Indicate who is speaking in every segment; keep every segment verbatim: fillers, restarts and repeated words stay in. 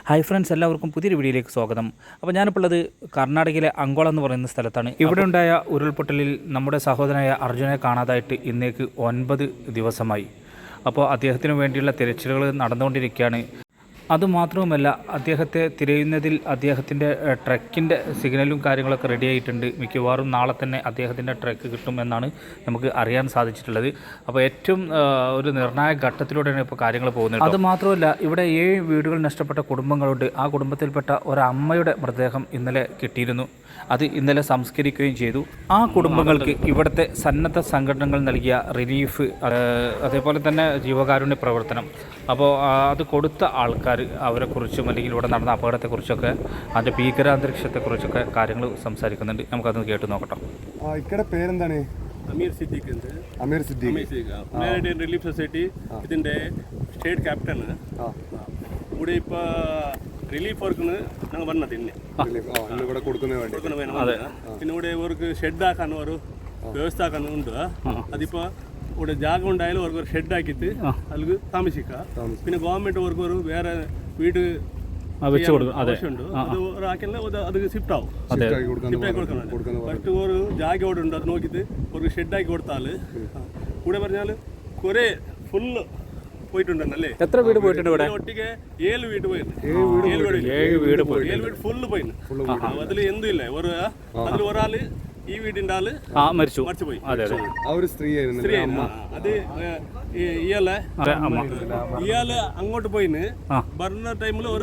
Speaker 1: Hi friends, എല്ലാവർക്കും പുതിയൊരു വീഡിയോയിലേക്ക് സ്വാഗതം. അപ്പോൾ ഞാനിപ്പോൾ ഉള്ളത് കർണാടകയിലെ അങ്കോള എന്ന് പറയുന്ന സ്ഥലത്താണ്. ഇവിടെ ഉണ്ടായ ഉരുൾപൊട്ടലിൽ നമ്മുടെ സഹോദരനായ അർജുനെ കാണാതായിട്ട് ഇന്നേക്ക് ഒൻപത് ദിവസമായി. അപ്പോൾ അദ്ദേഹത്തിന് വേണ്ടിയുള്ള തിരച്ചിലുകൾ നടന്നുകൊണ്ടിരിക്കുകയാണ്. അതുമാത്രവുമല്ല, അദ്ദേഹത്തെ തിരയുന്നതിൽ അദ്ദേഹത്തിൻ്റെ ട്രക്കിൻ്റെ സിഗ്നലും കാര്യങ്ങളൊക്കെ റെഡി ആയിട്ടുണ്ട്. മിക്കവാറും നാളെ തന്നെ അദ്ദേഹത്തിൻ്റെ ട്രക്ക് കിട്ടുമെന്നാണ് നമുക്ക് അറിയാൻ സാധിച്ചിട്ടുള്ളത്. അപ്പോൾ ഏറ്റവും ഒരു നിർണായക ഘട്ടത്തിലൂടെയാണ് ഇപ്പോൾ കാര്യങ്ങൾ പോകുന്നത്. അതുമാത്രമല്ല, ഇവിടെ ഏഴ് വീടുകൾ നഷ്ടപ്പെട്ട കുടുംബങ്ങളുണ്ട്. ആ കുടുംബത്തിൽപ്പെട്ട ഒരമ്മയുടെ മൃതദേഹം ഇന്നലെ കിട്ടിയിരുന്നു. അത് ഇന്നലെ സംസ്കരിക്കുകയും ചെയ്തു. ആ കുടുംബങ്ങൾക്ക് ഇവിടുത്തെ സന്നദ്ധ സംഘടനകൾ നൽകിയ റിലീഫ്, അതേപോലെ തന്നെ ജീവകാരുണ്യ പ്രവർത്തനം, അപ്പോൾ അത് കൊടുത്ത ആൾക്കാർ അവരെക്കുറിച്ചും അല്ലെങ്കിൽ ഇവിടെ നടന്ന അപകടത്തെക്കുറിച്ചൊക്കെ അതിൻ്റെ ഭീകരാന്തരീക്ഷത്തെക്കുറിച്ചൊക്കെ കാര്യങ്ങൾ സംസാരിക്കുന്നുണ്ട്. നമുക്കത് കേട്ട് നോക്കട്ടോ.
Speaker 2: ഇവിടെ പേരെന്താണ്?
Speaker 3: Ameer Siddique.
Speaker 2: Ameer Siddique
Speaker 3: humanitarian relief society ഇതിൻ്റെ സ്റ്റേറ്റ് ക്യാപ്റ്റൻ. ഇവിടെ ഇപ്പോൾ റിലീഫ് വർക്കിന് ഞങ്ങൾ വന്നത് ഇന്ന്
Speaker 2: ഇവിടെ കൊടുക്കുന്ന
Speaker 3: പിന്നെ ഇവിടെ ഇവർക്ക് ഷെഡ് ആക്കാൻ ഒരു വ്യവസ്ഥ ആക്കാൻ ഉണ്ട്. അതിപ്പോൾ ഇവിടെ ജാഗ ഉണ്ടായാലും അവർക്ക് ഒരു ഷെഡ് ആക്കിയിട്ട് അതിൽ താമസിക്കാം. പിന്നെ ഗവൺമെൻറ് അവർക്ക് ഒരു വേറെ വീട് ആവശ്യമുണ്ട്. അത് ഒരാക്കിയാൽ അത് ഷിഫ്റ്റ് ആവും. ഷിഫ്റ്റ് ആക്കി കൊടുക്കണം. ഫസ്റ്റ് ഒരു ജാഗ അവിടെ ഉണ്ട്, അത് നോക്കിയിട്ട് ഒരു ഷെഡ് ആക്കി കൊടുത്താൽ ഇവിടെ പറഞ്ഞാൽ കുറേ ഫുള്ള് പോയിട്ടുണ്ടല്ലേ.
Speaker 1: എത്ര വീട് പോയിട്ടുണ്ട് ഇവിടെ?
Speaker 3: ഒട്ടിക്ക് ഏഴ് വീട് പോയിരുന്നു. ഏഴ് വീട് പോയി ഏഴ് വീട് ഫുള്ള് പോയിന്. അതിൽ എന്തും ഇല്ല. ഒരു അതിൽ ഒരാള് ഈ വീടിന്റെ ആള്
Speaker 1: മരിച്ചു
Speaker 3: മരിച്ചു പോയി.
Speaker 2: സ്ത്രീ
Speaker 3: സ്ത്രീ അത് ഇയാളെ ഇയാള് അങ്ങോട്ട് പോയിന്. ഭരണ ടൈമിൽ ഒരു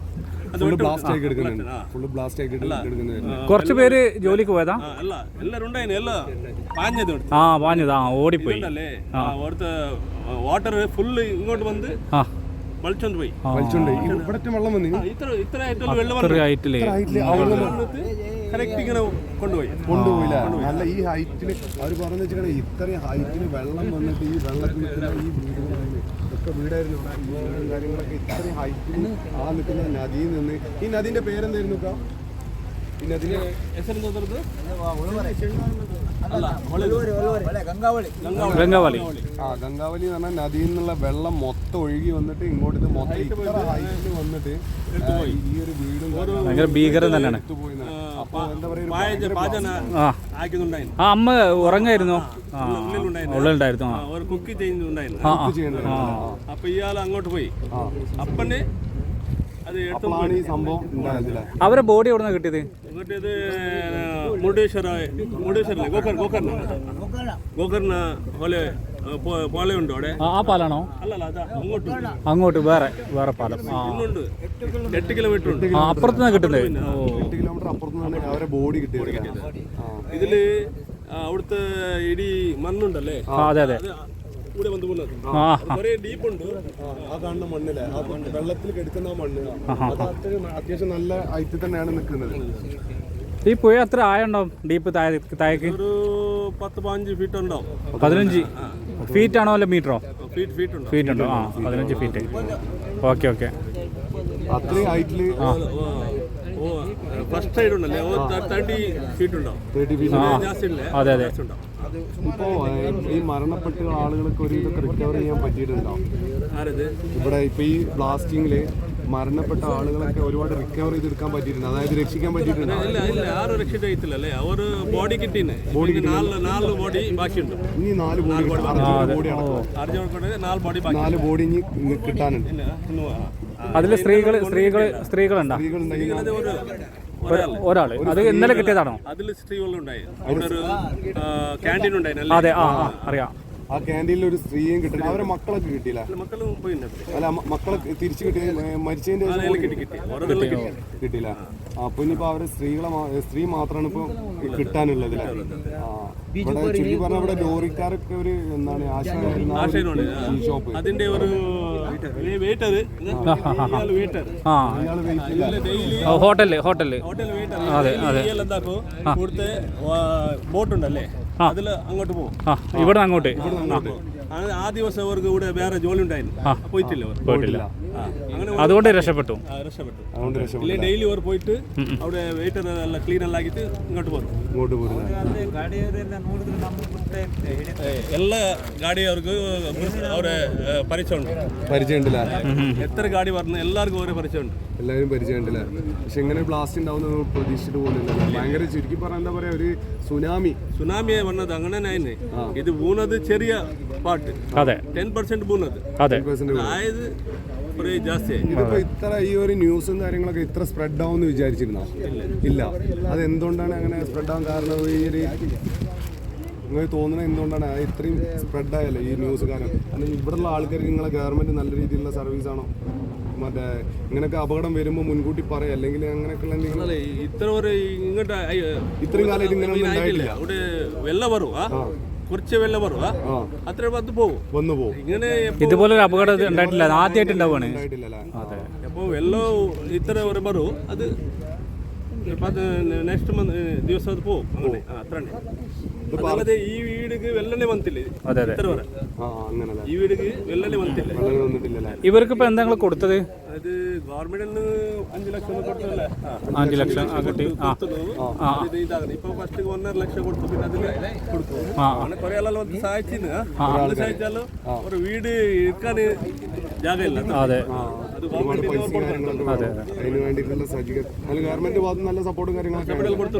Speaker 1: കുറച്ച് പേര് ജോലിക്ക് പോയതാ.
Speaker 3: അല്ല, എല്ലാരും ഉണ്ടായിരുന്നു. എല്ലാം പാഞ്ഞത്
Speaker 1: ആ പാഞ്ഞതാ ഓടിപ്പോയി.
Speaker 3: അവിടുത്തെ വാട്ടർ ഫുള്ള് ഇങ്ങോട്ട് വന്ന് വലിച്ചോണ്ട് പോയി.
Speaker 2: വെള്ളം വന്നു.
Speaker 3: ഇത്ര ഇത്ര ആയിട്ടുള്ള വെള്ളം കറക്റ്റ് ഇങ്ങനെ കൊണ്ടുപോയി
Speaker 2: കൊണ്ടുപോയില്ല. നല്ല ഈ ഹൈറ്റില് അവർ പറഞ്ഞു വെച്ചിട്ടാണ് ഇത്രയും ഹൈറ്റില് വെള്ളം വന്നിട്ട് ഈ വെള്ളത്തിൽ ഈ വീടുകൾ ഒക്കെ വീടായിരുന്നു. ഈ വീടും കാര്യങ്ങളൊക്കെ ഇത്രയും ഹൈറ്റിൽ ആ നിൽക്കുന്ന നദിയിൽ നിന്ന്. ഈ നദിന്റെ പേരെന്തായിരുന്നു? ഈ നദിന്റെ
Speaker 1: ഗംഗാവലി.
Speaker 2: ആ ഗംഗാവലി എന്ന് പറഞ്ഞാൽ നദിയിൽ നിന്നുള്ള വെള്ളം മൊത്തം ഒഴുകി വന്നിട്ട് ഇങ്ങോട്ട് ഇത് മൊത്തം ഇത്ര ഹൈറ്റിൽ വന്നിട്ട് ഈ ഒരു വീടും
Speaker 1: ഭയങ്കര ഭീകരം തന്നെയാണ്.
Speaker 2: അപ്പൊ എന്താ പറയുക,
Speaker 1: ആ അമ്മ ഉറങ്ങായിരുന്നു, ഉള്ളിലുണ്ടായിരുന്നു.
Speaker 3: കുക്ക് ചെയ്യുന്നുണ്ടായിരുന്നു. അപ്പൊ ഇയാൾ അങ്ങോട്ട് പോയി. അപ്പന് അത്
Speaker 2: ഈ സംഭവം
Speaker 1: അവരെ ബോഡി എവിടെ നിന്നാണ് കിട്ടിയത്?
Speaker 3: കിട്ടിയത് മുരുടേശ്വര മുരുടേശ്വരല്ലേ ഗോകർ ഗോകർണ ഗോകർണ പോലെ പാലമുണ്ട് അവിടെ.
Speaker 1: ആ പാലാണോ?
Speaker 3: അല്ലല്ല, അതാ അങ്ങോട്ട്
Speaker 1: അങ്ങോട്ട് വേറെ വേറെ പാലം.
Speaker 3: ഇന്നുണ്ട് എട്ട് കിലോമീറ്റർ ഉണ്ട്.
Speaker 1: അപ്പുറത്തുനിന്ന് കിട്ടുന്നത്.
Speaker 2: എട്ട് കിലോമീറ്റർ അപ്പുറത്തുനിന്ന് അവരെ ബോഡി കിട്ടിയത്.
Speaker 3: ഇതില് അവിടുത്തെ ഇടി മണ്ണുണ്ടല്ലേ,
Speaker 1: അതെ അതെ,
Speaker 3: ഇവിടെ വന്ന് പോകുന്നത് കുറേ ഡീപ്പുണ്ട്.
Speaker 2: ആ കാണുന്ന മണ്ണിലെ ആ വെള്ളത്തിൽ കിടക്കുന്ന മണ്ണ് അത് അത്യാവശ്യം നല്ല ഹൈറ്റിൽ തന്നെയാണ് നിൽക്കുന്നത്.
Speaker 1: ഈ പുഴ എത്ര ആയുണ്ടാവും? ഡീപ്പ് താഴേക്ക്
Speaker 3: ഒരു പത്ത് പതിനഞ്ച് ഫീറ്റ് ഉണ്ടാവും.
Speaker 1: പതിനഞ്ച് ഫീറ്റ് ആണോ അല്ല മീറ്ററോ?
Speaker 3: ഫീറ്റ് ഫീറ്റ് ഉണ്ട്.
Speaker 1: ഫീറ്റ് ഉണ്ടോ? ആ പതിനഞ്ച് ഫീറ്റ്. Okay okay.
Speaker 2: അത്രയും ഹൈറ്റില്
Speaker 3: ഫസ്റ്റ് സൈഡ് ഉണ്ടല്ലേ, തേർട്ടി ഫീറ്റ് ഉണ്ടാവും.
Speaker 1: അതെ അതെ.
Speaker 2: ഇപ്പോ ഈ മരണപ്പെട്ട ആളുകൾക്ക് ഒരു ഇതൊക്കെ റിക്കവർ ചെയ്യാൻ പറ്റിയിട്ടുണ്ടോ? ഇവിടെ ഇപ്പൊ ഈ ബ്ലാസ്റ്റിംഗില് മരണപ്പെട്ട ആളുകളൊക്കെ ഒരുപാട് റിക്കവർ ചെയ്തെടുക്കാൻ പറ്റിയിട്ടുണ്ട്, അതായത് രക്ഷിക്കാൻ പറ്റിയിട്ടുണ്ട്.
Speaker 3: ആരും രക്ഷിച്ചിട്ടില്ലല്ലേ, ഒരു ബോഡി കിട്ടീന്. ബോഡി നാല് ബോഡി ബാക്കിയുണ്ട്.
Speaker 2: ഇനി നാല് ബോഡി നാല് ബോഡി ഇനി കിട്ടാനുണ്ട്.
Speaker 1: അതില് സ്ത്രീകൾ സ്ത്രീകൾ സ്ത്രീകളുണ്ടോ? ഒരാള്. അത് ഇന്നലെ കിട്ടിയതാണോ?
Speaker 3: അതിൽ സ്ത്രീകളുണ്ടായി. അവിടെ ഒരു ക്യാൻറ്റീൻ ഉണ്ടായിരുന്നു.
Speaker 1: അതെ, ആ അറിയാം.
Speaker 2: ആ ക്യാൻറ്റീനിൽ ഒരു സ്ത്രീയും കിട്ടില്ല. അവരെ മക്കളൊക്കെ കിട്ടിയില്ല.
Speaker 3: മക്കളും പോയി.
Speaker 2: അല്ല, മക്കളെ തിരിച്ചു കിട്ടിയ മരിച്ചതിന്റെ കിട്ടിയില്ല. അപ്പൊ ഇനിയിപ്പോ അവരെ സ്ത്രീകളെ സ്ത്രീ മാത്രമാണ് ഇപ്പൊ കിട്ടാനുള്ളത്. ഇവിടെ ചുരുക്കി പറഞ്ഞ ഇവിടെ ലോറിക്കാരൊക്കെ ഒരു എന്താണ് ഷോപ്പ്
Speaker 3: അതിന്റെ ഒരു
Speaker 1: ഹോട്ടല് ഹോട്ടല് അതെ അതെ.
Speaker 3: ഇവിടുത്തെ ബോട്ടുണ്ടല്ലേ, അതില് അങ്ങോട്ട് പോകും.
Speaker 1: ഇവിടെ അങ്ങോട്ട്
Speaker 3: ആ- ആ ദിവസം അവർക്ക് ഇവിടെ വേറെ ജോലി ഉണ്ടായിരുന്നു പോയിട്ടില്ല അവർ
Speaker 1: പോയിട്ടില്ല,
Speaker 3: ആ, അങ്ങനെ
Speaker 1: അതുകൊണ്ട് രക്ഷപ്പെട്ടു.
Speaker 3: ആ, രക്ഷപ്പെട്ടു.
Speaker 2: അതുകൊണ്ട് രക്ഷപ്പെട്ടു.
Speaker 3: ഇല്ലേ ഡെയിലി അവർ പോയിട്ട് അവിടെ വെയിറ്റർ എല്ലാം ക്ലീൻ എല്ലാം ആക്കിയിട്ട് ഇങ്ങോട്ട് പോകും.
Speaker 2: ഇങ്ങോട്ട് പോരുന്നത്
Speaker 3: എല്ലാ ഗാഡി അവർക്ക് അവരെ പരിചയമുണ്ട്.
Speaker 2: പരിചയമുണ്ടല്ല,
Speaker 3: എത്ര ഗാഡി പറഞ്ഞു എല്ലാവർക്കും ഓരോ പരിചയമുണ്ട്.
Speaker 2: എല്ലാവരും പരിചയമുണ്ടല്ല. പക്ഷെ എങ്ങനെ ബ്ലാസ്റ്റ് ഉണ്ടാവുന്ന പ്രതീക്ഷിച്ചിട്ട് പോകുന്നില്ല. ഭയങ്കര ചുരുക്കി പറഞ്ഞാൽ എന്താ പറയാ, ഒരു സുനാമി
Speaker 3: സുനാമിയെ വന്നത് അങ്ങനെ തന്നെ. ഇത് വീണത് ചെറിയ പാട്ട്,
Speaker 1: അതെ
Speaker 3: ടെൻ പെർസെന്റ് വീണത്,
Speaker 1: അതെ
Speaker 3: ആയത് കുറേ ജാസ്തിയായി.
Speaker 2: ഇതിപ്പോ ഇത്ര ഈ ഒരു ന്യൂസും കാര്യങ്ങളൊക്കെ ഇത്ര സ്പ്രെഡ് ആവുമെന്ന് വിചാരിച്ചിരുന്നോ? ഇല്ല. അത് എന്തുകൊണ്ടാണ് അങ്ങനെ സ്പ്രെഡ് ആവാൻ കാരണം? ഈ ഒരു നിങ്ങൾക്ക് തോന്നുന്നത് എന്തുകൊണ്ടാണ് അത് ഇത്രയും സ്പ്രെഡ് ആയല്ലോ ഈ ന്യൂസ്? കാരണം അല്ലെങ്കിൽ ഇവിടെയുള്ള ആൾക്കാർക്ക് നിങ്ങളെ ഗവൺമെന്റ് നല്ല രീതിയിലുള്ള സർവീസ് ആണോ? മറ്റേ ഇങ്ങനെയൊക്കെ അപകടം വരുമ്പോൾ മുൻകൂട്ടി പറയാം, അല്ലെങ്കിൽ അങ്ങനെയൊക്കെയുള്ള എന്തെങ്കിലും?
Speaker 3: അല്ല, ഇത്ര ഒരു ഇങ്ങോട്ട്
Speaker 2: ഇത്രയും കാലമായിട്ട് ഇങ്ങനെ ഒന്നും ഉണ്ടായിട്ടില്ല.
Speaker 3: അവിടെ വെള്ളം വരും, കുറച്ച് വെള്ളം വരും, അത്ര പത്ത് പോകും
Speaker 2: വന്നു പോകും.
Speaker 3: ഇങ്ങനെ
Speaker 1: ഇതുപോലെ ഒരു അപകടം ഉണ്ടായിട്ടില്ല, ആദ്യമായിട്ട് ഉണ്ടാവുകയാണ്.
Speaker 2: ഉണ്ടായിട്ടില്ലല്ലേ?
Speaker 3: അപ്പോൾ വെള്ളം ഇത്ര ഒരു വരും, അത് നെക്സ്റ്റ് മന്ത് ദിവസം അത് പോകും. അങ്ങനെ അത്ര അതല്ലാതെ ഈ വീടിക്ക് വെള്ളനെ വന്നില്ലേ
Speaker 1: അതെ അതെ
Speaker 3: ഇത്ര വരെ,
Speaker 2: ആ അങ്ങനെ
Speaker 3: ഈ വീടിക്ക് വെള്ളനെ വന്നില്ല.
Speaker 2: വെള്ളം വന്നിട്ടില്ലല്ലേ?
Speaker 1: ഇവർക്ക് ഇപ്പൊ എന്താ കൊടുത്തത്?
Speaker 3: അത് ഗവൺമെന്റിന് അഞ്ചു ലക്ഷം കൊടുത്തല്ലേ?
Speaker 1: അഞ്ചു ലക്ഷം ആ കിട്ടി. ആ
Speaker 3: ഇതാകുന്നത് ഇപ്പൊ ഫസ്റ്റ് ഒന്നര ലക്ഷം കൊടുത്തു, പിന്നെ അതിൽ കൊടുത്തു.
Speaker 1: ആ
Speaker 3: അങ്ങനെ കുറെ ആളെല്ലാം വന്ന് സഹായിച്ചിന്. അത് സഹായിച്ചാലും ഒരു വീട് ഇരിക്കാൻ ജാഗയില്ല.
Speaker 1: അതെ
Speaker 3: അത് ഗവൺമെന്റ്
Speaker 1: അതെ
Speaker 2: അതിന് വേണ്ടിയിട്ടുള്ള സജ്ജീകരണം ഗവൺമെന്റ് ഭാഗത്ത് നല്ല സപ്പോർട്ടും കാര്യങ്ങളൊക്കെ
Speaker 3: കൊടുത്തു.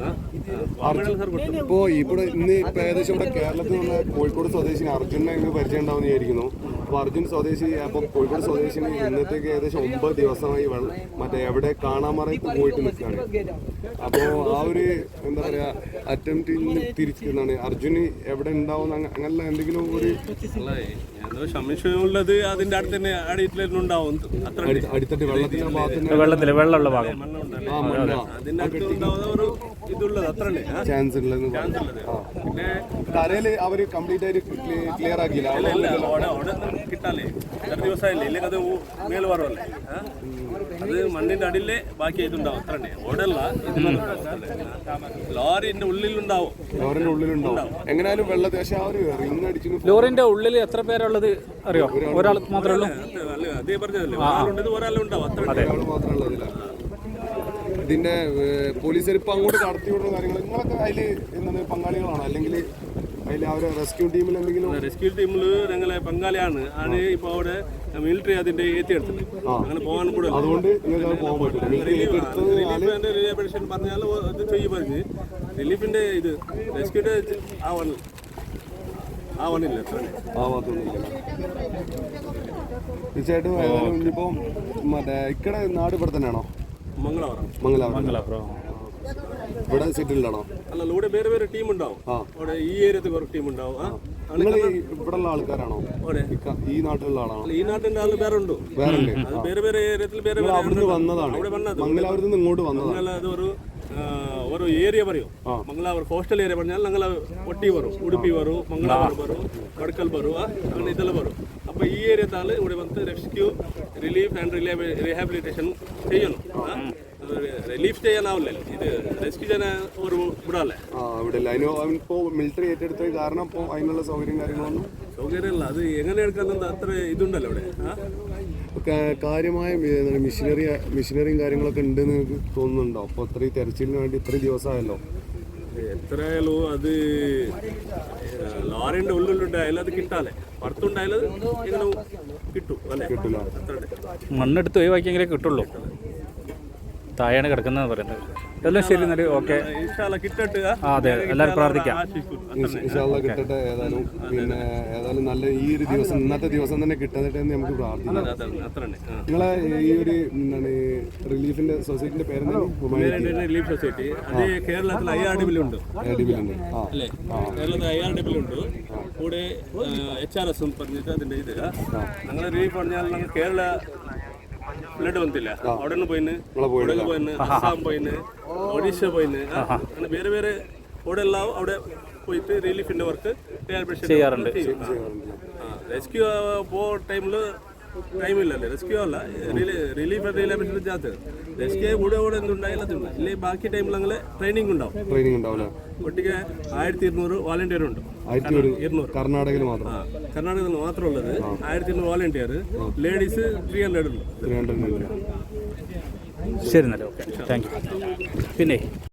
Speaker 2: ഇപ്പോ ഇവിടെ ഇന്ന് ഇപ്പൊ ഏകദേശം ഇവിടെ കേരളത്തിൽ നിന്ന് കോഴിക്കോട് സ്വദേശിനി അർജുനെ ഇന്ന് പരിചയം ഉണ്ടാവുമെന്ന് വിചാരിക്കുന്നു. അപ്പൊ അർജുൻ സ്വദേശി അപ്പൊ കോഴിക്കോട് സ്വദേശിനി ഇന്നത്തേക്ക് ഏകദേശം ഒമ്പത് ദിവസമായി വെള്ളം മറ്റേ എവിടെ കാണാമറയത്ത് പോയിട്ട് നിൽക്കുകയാണ്. അപ്പോ ആ ഒരു എന്താ പറയാ അറ്റംപ്റ്റിൽ നിന്ന് തിരിച്ചിരുന്നാണ് അർജുന് എവിടെ ഉണ്ടാവും അങ്ങനെയുള്ള എന്തെങ്കിലും ഒരു
Speaker 3: സംശയമുള്ളത് അതിന്റെ അടുത്ത് തന്നെ അടിയിട്ടുണ്ടാവും. അത്ര
Speaker 2: അടിത്തട്ട് വെള്ളത്തിന്റെ ഭാഗത്ത്
Speaker 1: വെള്ളത്തില് വെള്ളമുള്ള ഭാഗം
Speaker 3: അതിന്റെ അടുത്തുണ്ടാവുന്ന ഒരു ഇതുള്ളത് അത്ര
Speaker 2: ചാൻസ് ഉള്ളതെന്ന് പറഞ്ഞു.
Speaker 3: പിന്നെ
Speaker 2: കരയില് അവര് കംപ്ലീറ്റ് ആയിട്ട് ക്ലിയർ ആക്കിയില്ല.
Speaker 3: കിട്ടാലേ എത്ര ദിവസമായില്ലേ, ഇല്ലെങ്കിൽ അത് മേല് പറവല്ലേ, അത് മണ്ണിന്റെ അടിയിലെ ബാക്കി ഇതുണ്ടാവും. അത്ര തന്നെ ഓടല്ല, ലോറിന്റെ ഉള്ളിലുണ്ടാവും.
Speaker 2: ലോറിന്റെ ഉള്ളിലുണ്ടാവും എങ്ങനെയാലും വെള്ളത്തിൽ. പക്ഷെ ആ ഒരു റിങ് അടിച്ചു.
Speaker 1: ലോറിന്റെ ഉള്ളിൽ എത്ര പേരുള്ളത് അറിയോ? ഒരാൾ മാത്രമേ ഉള്ളൂ.
Speaker 3: അതേ പറഞ്ഞതല്ലേ, ഒരാളുണ്ട് ഒരാളുണ്ടാവും. അത്ര
Speaker 2: ഒരാൾ മാത്രമേ ഉള്ളതില്ല. ഇതിന്റെ പോലീസുകാർ ഇപ്പൊ അങ്ങോട്ട് കടത്തി വിടുന്ന കാര്യങ്ങൾ നിങ്ങളൊക്കെ അതില് എന്താണ് പങ്കാളികളാണ്, അല്ലെങ്കിൽ അതിൽ അവരെ റെസ്ക്യൂ ടീമിൽ എന്തെങ്കിലും?
Speaker 3: റെസ്ക്യൂ ടീമില് ഞങ്ങളെ പങ്കാളിയാണ്. ആണ് ഇപ്പൊ അവിടെ മിലിറ്ററി അതിന്റെ ഏറ്റെടുത്തത്. അങ്ങനെ പോകാൻ കൂടെ
Speaker 2: അതുകൊണ്ട് നിങ്ങൾക്ക് പോകാൻ പറ്റില്ല.
Speaker 3: റിലീഫിന്റെ റിലേഷൻ പറഞ്ഞാൽ ഇത് ചെയ്യും പറഞ്ഞ് റിലീഫിന്റെ ഇത് റെസ്ക്യൂടെ ആവണ ആവണില്ല.
Speaker 2: ആവാത്തൊന്നുമില്ല. തീർച്ചയായിട്ടും ഇനിയിപ്പോ മറ്റേ ഇക്കടെ നാട് ഇവിടെ തന്നെയാണോ?
Speaker 3: മംഗളാപുരം.
Speaker 2: മംഗലാപുരം ഇവിടെ സെറ്റിൽഡാണോ?
Speaker 3: അല്ല, ഇവിടെ വേറെ വേറെ ടീം ഉണ്ടാവും. അവിടെ ഈ ഏരിയത്തിൽ വേറെ ടീം ഉണ്ടാവും.
Speaker 2: നിങ്ങൾ ഇവിടെ ഉള്ള ആൾക്കാരാണോ? ഈ നാട്ടിലുള്ള ആളാണോ?
Speaker 3: ഈ നാട്ടിന്റെ ആള് വേറെ ഉണ്ട്.
Speaker 2: വേറെ
Speaker 3: വേറെ വേറെ ഏരിയത്തിൽ വേറെ വേറെ
Speaker 2: അവിടുന്ന് വന്നതാണ്. മംഗലാപുരത്ത് നിന്ന് ഇങ്ങോട്ട് വന്നതാണ്.
Speaker 3: അത് ഒരു ഒരു ഏരിയ പറയും. മംഗലാപുരം കോസ്റ്റൽ ഏരിയ പറഞ്ഞാൽ ഞങ്ങൾ ഒട്ടി വരും, ഉടുപ്പി വരും, മംഗലാപുരം വരും, കടക്കൽ വരും, അങ്ങനെ ഇതെല്ലാം വരും. അപ്പോൾ ഈ ഏരിയത്താൽ ഇവിടെ വന്ന് റെസ്ക്യൂ റിലീഫ് ആൻഡ് റീഹാബിലിറ്റേഷൻ ചെയ്യണം. റിലീഫ് ചെയ്യാനാവില്ലല്ലോ, ഇത് റെസ്ക്യൂ ചെയ്യാൻ ഒരു വിടാല്ലേ.
Speaker 2: ആ ഇവിടെ അതിനിപ്പോ മിലിറ്ററി ഏറ്റെടുത്ത കാരണം ഇപ്പോൾ അതിനുള്ള സൗകര്യം കാര്യങ്ങളൊന്നും
Speaker 3: സൗകര്യമല്ല. അത് എങ്ങനെ എടുക്കാൻ അത്ര ഇതുണ്ടല്ലോ ഇവിടെ.
Speaker 2: കാര്യമായ മിഷനറി മിഷനറിയും കാര്യങ്ങളൊക്കെ ഉണ്ടെന്ന് നിങ്ങൾക്ക് തോന്നുന്നുണ്ടോ? അപ്പോൾ ഇത്രയും തെരച്ചിലിന് വേണ്ടി ഇത്രയും ദിവസമായല്ലോ.
Speaker 3: എത്രയായാലും അത് ലോറിന്റെ ഉള്ളിലുണ്ടായാലും അത് കിട്ടാല്ലേ, പുറത്തുണ്ടായാലും എങ്ങനെ കിട്ടും അല്ലേ?
Speaker 2: കിട്ടില്ല.
Speaker 1: മണ്ണെടുത്ത് ഒഴിവാക്കിയെങ്കിലേ കിട്ടുള്ളൂ. താഴെയാണ് കിടക്കുന്നത് പറയുന്നത്. എല്ലാം ശരി എന്നാൽ ഓക്കെ.
Speaker 3: കിട്ടട്ടെ.
Speaker 1: അതെ, എല്ലാവരും പ്രാർത്ഥിക്കാം.
Speaker 2: ഇൻഷാല്ലാ കിട്ടട്ടെ. ഏതായാലും പിന്നെ ഏതായാലും നല്ല ഈ ഒരു ദിവസം ഇന്നത്തെ ദിവസം തന്നെ കിട്ടട്ടെ എന്ന് നമുക്ക് പ്രാർത്ഥിക്കാം. നിങ്ങളെ ഈ ഒരു എന്താണ് റിലീഫിന്റെ സൊസൈറ്റിന്റെ പേരെന്താണ്?
Speaker 3: റിലീഫ് സൊസൈറ്റി അത് കേരളത്തിൽ ഐ ആർ ഡി ബിലുണ്ട്. അല്ലേ, കേരളത്തിൽ ഐ ആർ ഡി ബിലുണ്ട്. കൂടെ എച്ച് ആർ എസ് പറഞ്ഞിട്ട് അതിന്റെ ഇത് ഞങ്ങളെ റിലീഫ് പറഞ്ഞാൽ ഞങ്ങൾ കേരള ബ്ലഡ് വന്നില്ല. അവിടെ നിന്ന് പോയിന്, ഇവിടെ പോയിന്, അസാം പോയിന്, ഒഡീഷ പോയിന്, അങ്ങനെ വേറെ വേറെ അവിടെ എല്ലാം അവിടെ പോയിട്ട് റിലീഫിന്റെ വർക്ക്
Speaker 1: ചെയ്യാറുണ്ട്.
Speaker 3: റെസ്ക്യൂ പോ ടൈമില് ಟೈಮಿಲ್ಲಲ್ಲ ರೆಸ್ಕ್ಯೂ ಅಲ್ಲ റിലീഫ് ആൻഡ് റീഹാബിലിറ്റേഷൻ ജാത്ത് ರೆಸ್ക്യൂ കൂടെ കൂടെ എന്തുണ്ടായാലും അതുണ്ട് ഇല്ലേ ബാക്കി ടൈമിലങ്ങനെ ട്രെയിനിങ് ഉണ്ടാവും
Speaker 2: ട്രെയിനിങ് ഉണ്ടാവില്ല.
Speaker 3: ഒട്ടിಗೆ ആയിരത്തി ഇരുന്നൂറ് വാളണ്ടിയർ ഉണ്ട്
Speaker 2: ആയിരത്തി ഇരുന്നൂറ് കർണാടകയിൽ മാത്രം.
Speaker 3: കർണാടകത്തിൽ മാത്രമുള്ളത് ആയിരത്തി ഇരുന്നൂറ് വാളണ്ടിയർ, ലേഡീസ് ത്രീ ഹൺഡ്രഡ് ഉണ്ട്.
Speaker 2: ത്രീ ഹൺഡ്രഡ്
Speaker 1: ശരി എന്നല്ലേ, ഓക്കെ, താങ്ക് യു. പിന്നെ